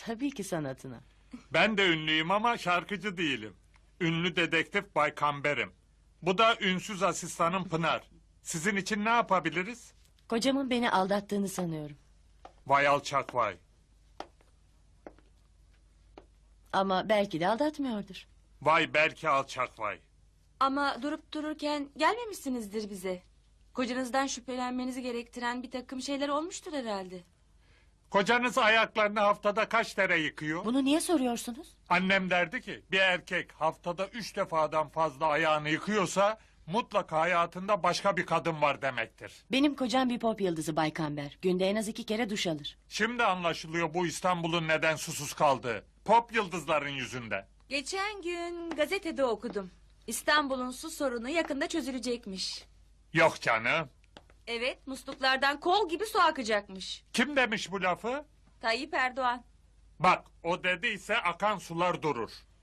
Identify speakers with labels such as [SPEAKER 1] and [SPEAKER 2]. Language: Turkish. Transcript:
[SPEAKER 1] Tabii ki sanatına.
[SPEAKER 2] Ben de ünlüyüm ama şarkıcı değilim. Ünlü dedektif Bay Kamber'im. Bu da ünsüz asistanım Pınar. Sizin için ne yapabiliriz?
[SPEAKER 1] Kocamın beni aldattığını sanıyorum.
[SPEAKER 2] Vay alçak vay.
[SPEAKER 1] Ama belki de aldatmıyordur.
[SPEAKER 2] Vay belki alçak vay.
[SPEAKER 3] Ama durup dururken gelmemişsinizdir bize. Kocanızdan şüphelenmenizi gerektiren bir takım şeyler olmuştur herhalde.
[SPEAKER 2] Kocanız ayaklarını haftada kaç kere yıkıyor?
[SPEAKER 1] Bunu niye soruyorsunuz?
[SPEAKER 2] Annem derdi ki bir erkek haftada 3 defadan fazla ayağını yıkıyorsa mutlaka hayatında başka bir kadın var demektir.
[SPEAKER 1] Benim kocam bir pop yıldızı Bay Kamber. Günde en az 2 kere duş alır.
[SPEAKER 2] Şimdi anlaşılıyor bu İstanbul'un neden susuz kaldığı. Pop yıldızların yüzünden.
[SPEAKER 3] Geçen gün gazetede okudum. İstanbul'un su sorunu yakında çözülecekmiş.
[SPEAKER 2] Yok canım.
[SPEAKER 3] Evet, musluklardan kol gibi su akacakmış.
[SPEAKER 2] Kim demiş bu lafı?
[SPEAKER 3] Tayyip Erdoğan.
[SPEAKER 2] Bak o dediyse akan sular durur.